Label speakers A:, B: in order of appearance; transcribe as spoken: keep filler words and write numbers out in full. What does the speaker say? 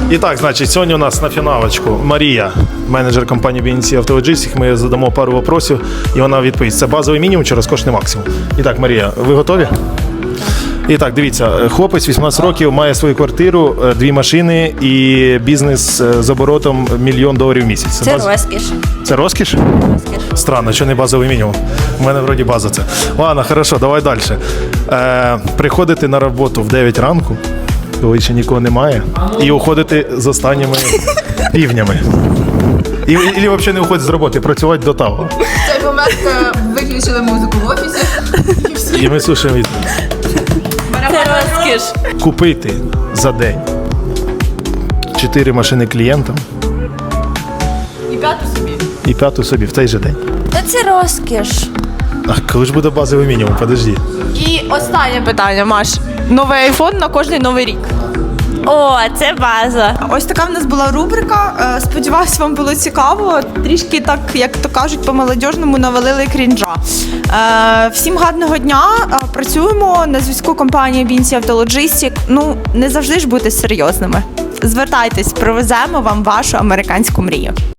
A: І так, значить, сьогодні у нас на фіналочку Марія, менеджер компанії бі ен сі Auto Logistics. Ми задамо пару вопросів, і вона відповість. Це базовий мінімум чи розкошний максимум? І так, Марія, ви готові? І так, дивіться, хлопець вісімнадцять років, має свою квартиру, дві машини і бізнес з оборотом мільйон доларів в місяць.
B: Це баз... розкіш.
A: Це розкіш?
B: Розкіш.
A: Странно, що не базовий мінімум. У мене вроді база це. Ладно, хорошо, давай далі. Е, приходити на роботу в дев'ять ранку, коли ще нікого немає, і уходити з останніми півнями. І, і, і взагалі не уходити з роботи, працювати до того.
C: В цей момент виключили музику в офісі.
A: І ми слухаємо від...
B: Це розкіш.
A: Купити за день чотири машини клієнтам
C: І п'яту собі.
A: і п'яту собі в той же день.
B: Та це розкіш.
A: А коли ж буде базовий мінімум? Подожди.
D: І останнє питання, Маш. Новий айфон на кожний новий рік.
B: О, це база.
D: Ось така в нас була рубрика. Е, Сподіваюсь, вам було цікаво. Трішки так, як то кажуть, по-молодіжному навалили крінжа. Е, Всім гарного дня. Е, Працюємо на зв'язку компанії бі ен сі Auto Logistics. Ну, не завжди ж бути серйозними. Звертайтесь, привеземо вам вашу американську мрію.